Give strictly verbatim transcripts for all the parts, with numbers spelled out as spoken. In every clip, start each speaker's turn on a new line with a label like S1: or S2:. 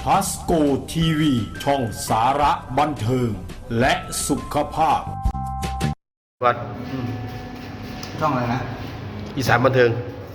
S1: พัสโกทีวีช่องสาระบันเทิงและสุขภาพ
S2: วัด
S3: ช่องอะไรนะ
S2: อีสานบันเทิง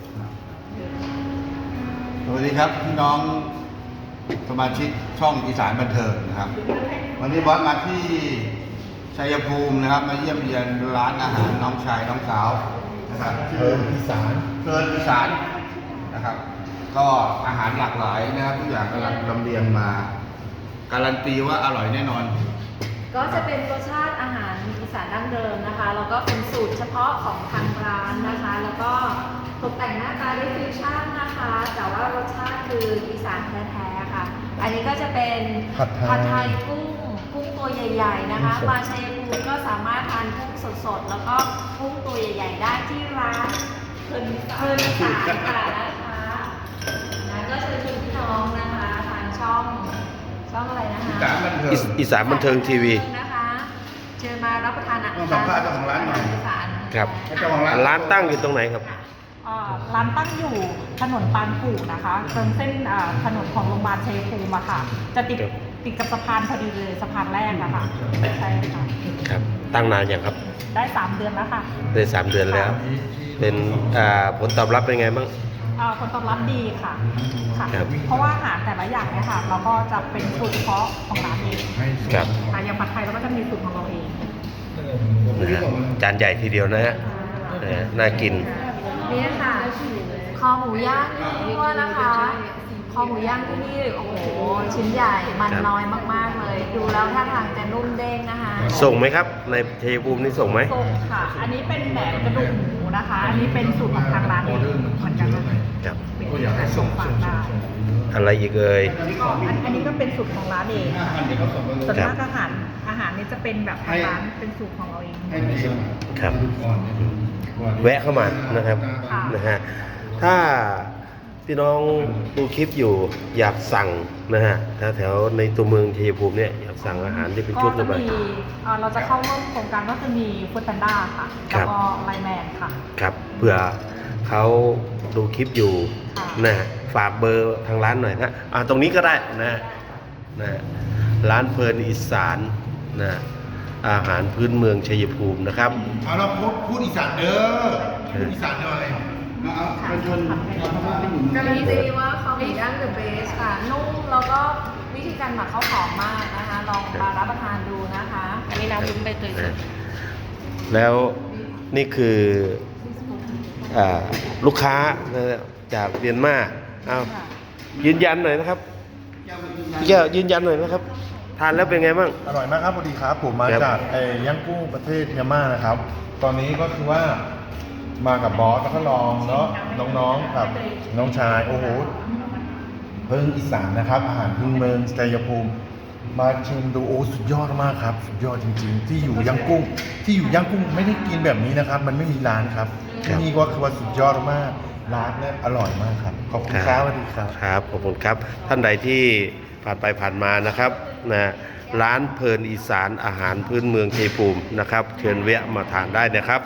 S3: สวัสดีครับพี่น้องสมาชิกช่องอีสานบันเทิงนะครับวันนี้บอสมาที่ชัยภูมินะครับมาเยี่ยมเยียนร้านอาหารน้องชายน้องสาวนะครับ
S2: เพลินอีสาน
S3: เพลินอีสานนะครับก็อาหารหลากหลายนะครับทุกอย่างกำลังลำเลียงมาการันตีว่าอร่อยแน่นอน
S4: ก็จะเป็นรสชาติอาหารอีสานดั้งเดิมนะคะแล้วก็เป็นสูตรเฉพาะของทางร้านนะคะแล้วก็ตกแต่งหน้าตาด้วยฟิวชั่นนะคะแต่ว่ารสชาติคืออีสานแท้ๆค่ะอันนี้ก็จะเป็นผัดไทยกุ้งกุ้งตัวใหญ่ๆนะคะมาชัยภูมิก็สามารถทานกุ้งสดๆแล้วก็กุ้งตัวใหญ่ๆได้ที่ร้านเพลินเพลินอีสานค่ะนะคะนะก็เชิญชวนพี่น้องนะคะทางช่องช่องอะไรนะคะ
S2: อีสานบันเทิงทีวี
S4: นะคะเชิญมารับประทานอาหาร
S3: สัมภาษณ์เจ้าของร้านหน่อย
S2: ครับร้านตั้งอยู่ตรงไหนครับ
S5: ร้านตั้งอยู่ถนนปานกู่นะคะตรงเส้นถนนของโรงพยาบาลชัยภูมิอะค่ะจะติดติดกับสะพานพอดีเลยสะพานแรกอะค่ะใช่ค่ะ
S2: ครับตั้งนานอย่างครับ
S5: ได้สามเดือนแล้วค่ะ
S2: ได้สามเดือนแล้วเป็นผลตอบรับเป็นไงบ้าง
S5: ผลตอบรับดีค่ะค่ะเพราะว่าอาหารแต่ละอย่างเนี่ยค่ะเราก็จะเป็นสูตรเฉพาะของร้านเอง
S2: ครับ
S5: ค่ะอย่างผัดไทยเราก็จะมีสูตรของเราเอง
S2: นะฮะจานใหญ่ทีเดียวนะฮะน่ากิน
S4: นี่ค่ะคอหมูย่างนี่ว่านะคะคอหมูย่างที่นี่โอ้โหชิ้นใหญ่มันน้อยมากๆเลยดูแล้วท่าทางจะนุ่มเด้งนะคะ
S2: ส่งไหมครับในชัยภูมินี่ส่งไหม
S5: ส่งค่ะอันนี้เป็นแหนมกระดูกหมูนะคะอันนี้เป็นสูตรของทางร้านเองเหมือนกัน
S2: ครับ
S5: เป็นส่งฝากได้
S2: อะไรอีกเอ่ย
S5: อันนี้ก็เป็นสูตรของร้านเองส่วนมากอาหารอาหารนี้จะเป็นแบบทางร้านเป็นสูตรของเราเอง
S2: ครับแวะเข้ามานะครับนะฮะถ้าพี่น้องดูคลิปอยู่อยากสั่งนะฮะแถวในตัวเมืองชัยภูมิเนี่ยอยากสั่งอาหารที่เป็นชุดหรือเปล่า
S5: เราจะเข้าร่วมโครงการก็คือมีฟู้ดแพนด้าค่ะแล้วก็ไลน์แมนค่ะ
S2: ครับเผื่อเขาดูคลิปอยู่นะฝากเบอร์ทางร้านหน่อยนะอ่าตรงนี้ก็ได้นะนะร้านเพลินอีสานนะอาหารพื้นเมืองชัยภูมินะครับ
S3: เอาเราพูดพูดอีสานเด้อพูดอีสานหน่อยเอาเป็นชน
S4: การันตีว่าเขาหมูย่างเดอะเบสค่ะนุ่มแล้วก็วิธีการหมักเขาหอมมากนะคะลองมารับประทานดูนะคะอันนี้น้ำลุ้มใบเตยสด
S2: แล้วนี่คือลูกค้าจากเมียนมาเอายืนยันหน่อยนะครับแก้วยืนยันหน่อยนะครับทานแล้วเป็นไงบ้าง
S6: อร่อยมากครับพอดีครับผมมาจากไอ้ย่างกุ้งประเทศเมียนมานะครับ ตอนนี้ก็คือว่ามากับบอสแล้วก็ลองเนาะน้องๆกับน้องชายโอ้โหเพิ่งอีสานนะครับอาหารพื้นเมืองชัยภูมิมาชิมดูโอ้สุดยอดมากครับสุดยอดจริงๆที่อยู่ย่างกุ้งที่อยู่ย่างกุ้งไม่ได้กินแบบนี้นะครับมันไม่มีร้านครับที่นี่ก็คือว่าสุดยอดมากร้านเนี่ยอร่อยมากครับขอบคุณครับสวัสดีครับ
S2: ครับขอบคุณครับท่านใดที่ผ่านไปผ่านมานะครับนะร้านเพลินอีสานอาหารพื้นเมืองชัยภูมินะครับเชิญแวะมาทานได้นะครับ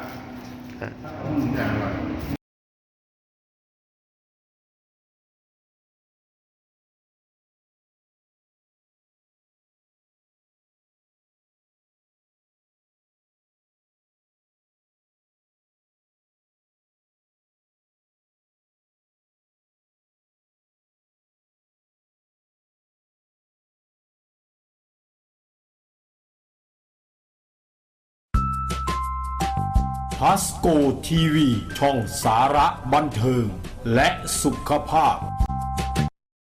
S1: พัสโกทีวีช่องสาระบันเทิงและสุขภาพ